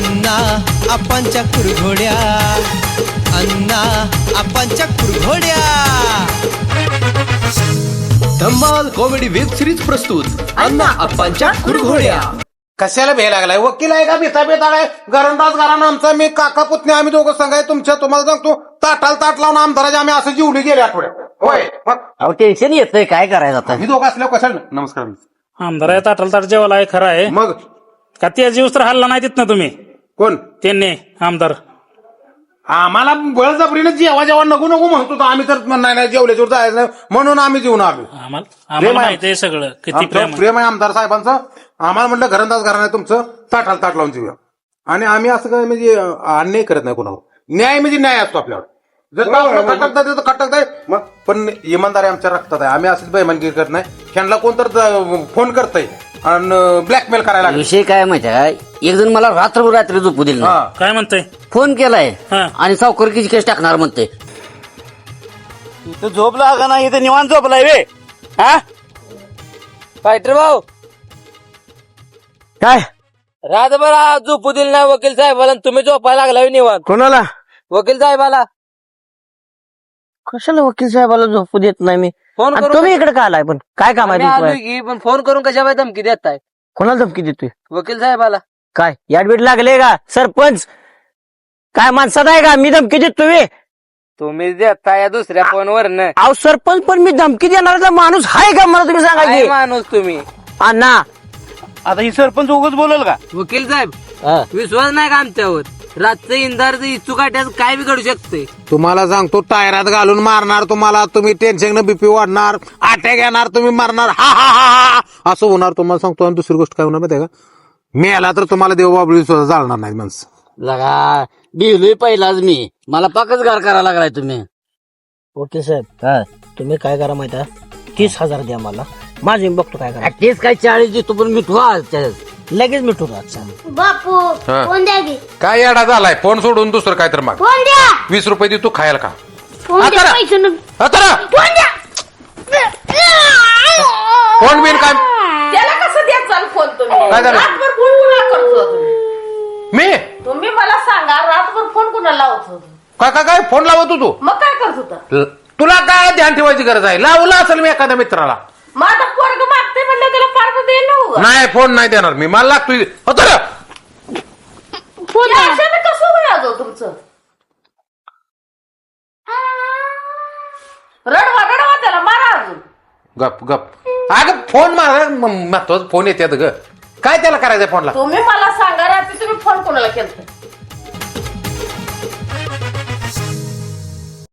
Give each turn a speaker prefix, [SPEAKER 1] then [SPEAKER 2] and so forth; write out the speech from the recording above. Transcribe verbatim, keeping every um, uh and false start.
[SPEAKER 1] अण्णा आपांच्या कुरघोड्या, अण्णा आपांच्या कुरघोड्या. धम्माल कॉमेडी वेब सिरीज प्रस्तुत अण्णा आपांच्या कुरघोड्या.
[SPEAKER 2] कशाला भे लागलाय? वकील आहे का भिता बेताळ आहे? घरंदाज घराणं आमचा, मी काका पुतणे आम्ही दोघं सांगाय तुमच्या. तुम्हाला सांगतो ताटाला ताट लावून आमदाराच्या आम्ही असं जीवली गेले आठवड्यात. होय
[SPEAKER 3] अहो टेन्शन येतंय, काय करायचं आता?
[SPEAKER 2] आम्ही दोघं असल्यावर कशाला? नमस्कार.
[SPEAKER 4] आमदार आहे ताटल ताट जेवायला आहे, खरं आहे
[SPEAKER 2] मग
[SPEAKER 4] का? त्या जीवस तर हल्ला नाही तिथनं तुम्ही,
[SPEAKER 2] कोण
[SPEAKER 4] त्यांनी आमदार
[SPEAKER 2] आम्हाला बळजबरीने जेव्हा जेव्हा नको नको म्हणतो तर आम्ही तर नाही नाही जेवल्याच्यावर जायचं नाही म्हणून आम्ही जेवून आलो.
[SPEAKER 4] आम्हाला आम्हाला माहिती आहे सगळं किती
[SPEAKER 2] आमचं
[SPEAKER 4] प्रेम आहे.
[SPEAKER 2] प्रेम आहे आमदार साहेबांचं. आम्हाला म्हटलं घरंदाज घराणं आहे तुमचं, ताटाला ताट लावून जेऊया. आणि आम्ही असं काय म्हणजे अन्याय करत नाही कोणावर. न्याय म्हणजे न्याय असतो आपल्यावर. जर खटकता तर खटकताय, मग पण इमानदारी आमच्या रक्तात आहे. आम्ही असंच बेईमानगी करत नाही. ह्यांना कोणतर फोन करतय आणि ब्लॅकमेल करायला लागले.
[SPEAKER 3] विषय काय माहिती आहे? एक जण मला रात्रभर रात्री झोपू दिलं नाही.
[SPEAKER 2] हा.
[SPEAKER 4] काय म्हणतंय?
[SPEAKER 3] फोन केलाय
[SPEAKER 4] हा.
[SPEAKER 3] आणि सावकारकीची केस टाकणार म्हणते.
[SPEAKER 5] तू झोपला का नाही? इथे निवांत झोपलाय वे. हा फायटर भाऊ,
[SPEAKER 3] काय
[SPEAKER 5] रातभर झोपू दिल नाही वकील साहेबाला, तुम्ही झोपायला लागला निवांत.
[SPEAKER 3] कोणाला?
[SPEAKER 5] वकील साहेबाला
[SPEAKER 3] कशाला वकील साहेबाला झोपू देत नाही मी?
[SPEAKER 5] फोन
[SPEAKER 3] आणि
[SPEAKER 5] करून
[SPEAKER 3] तुम्ही इकडे का आलाय? पण काय काम आहे
[SPEAKER 5] आम्ही
[SPEAKER 3] तुमचं?
[SPEAKER 5] आलोय की, पण फोन करून कशा बाय धमकी देताय
[SPEAKER 3] कोणाला धमकी देतोय?
[SPEAKER 5] वकील साहेबाला?
[SPEAKER 3] काय याडबीड लागले का? सरपंच काय माणसात आहे का? मी धमकी देतोय?
[SPEAKER 5] तुम्ही देताय दुसऱ्या फोनवर न.
[SPEAKER 3] अहो सरपंच, पण मी धमकी देणारा माणूस आहे का? मला तुम्ही सांगा
[SPEAKER 5] काय
[SPEAKER 3] की.
[SPEAKER 5] माणूस तुम्ही?
[SPEAKER 3] अण्णा
[SPEAKER 5] आता ही सरपंच उगाच बोलल का? वकील साहेब विश्वास नाही का आमच्यावर? रातचं इंधार इच्छू काट्याच काय बिघडू शकते?
[SPEAKER 2] तुम्हाला सांगतो टायरात घालून मारणार तुम्हाला. तुम्ही टेन्शन बीपी वाढणार, अटॅक येणार, तुम्ही मारणार, हा हा हा हा असं होणार. तुम्हाला सांगतो. आणि दुसरी गोष्ट काय होणार माहिती आहे का? मेला तर तुम्हाला देवबाबळी सुद्धा जाळणार नाही माणसं.
[SPEAKER 3] लगा बिलोय पहिलाच मी. मला पाकच गार करायला लागलाय तुम्ही. ओके साहेब, तुम्ही काय करा माहिती आहे? तीस हजार द्या मला, माझे मी बघतो काय करा. तेच काय चाळीस देतो, पण मिठू लगेच मिठू आजचा.
[SPEAKER 6] बापू फोन द्या की.
[SPEAKER 2] काय येडा झालाय? फोन सोडून दुसरं काय तर मग
[SPEAKER 6] फोन द्या.
[SPEAKER 2] वीस रुपये दे तू खायला का?
[SPEAKER 6] फोन द्या.
[SPEAKER 2] आता-
[SPEAKER 6] पैसे न-
[SPEAKER 2] आता
[SPEAKER 6] फोन द्या.
[SPEAKER 2] फोन बिन काय?
[SPEAKER 7] त्याला कसं द्यायचा फोन तुम्ही?
[SPEAKER 2] काय झालं?
[SPEAKER 7] रातभर फोन कुणाला करत होता तुम्ही?
[SPEAKER 2] मी
[SPEAKER 7] तुम्ही मला सांगा, रातभर फोन कुणाला लावत होता?
[SPEAKER 2] काय काय काय फोन लावत होतो?
[SPEAKER 7] मग काय करत होता?
[SPEAKER 2] ल- तुला काय ध्यान ठेवायची गरज आहे? लावला असेल मी एखाद्या मित्राला.
[SPEAKER 7] माझा पोरग मागते म्हणलं त्याला पार्ट दे ना.
[SPEAKER 2] नाही फोन नाही देणार मी. मला लागतोय. आता
[SPEAKER 6] फोन द्या.
[SPEAKER 7] अशाने कसं होणार हो तुमचं? रडवा रडवा त्याला मारा अजून.
[SPEAKER 2] गप गप. अगं फोन मारा, महत्वाचा फोन येतात ग. काय त्याला करायचंय फोनला?
[SPEAKER 7] तुम्ही मला सांगा, रात्री तुम्ही फोन कोणाला केलता?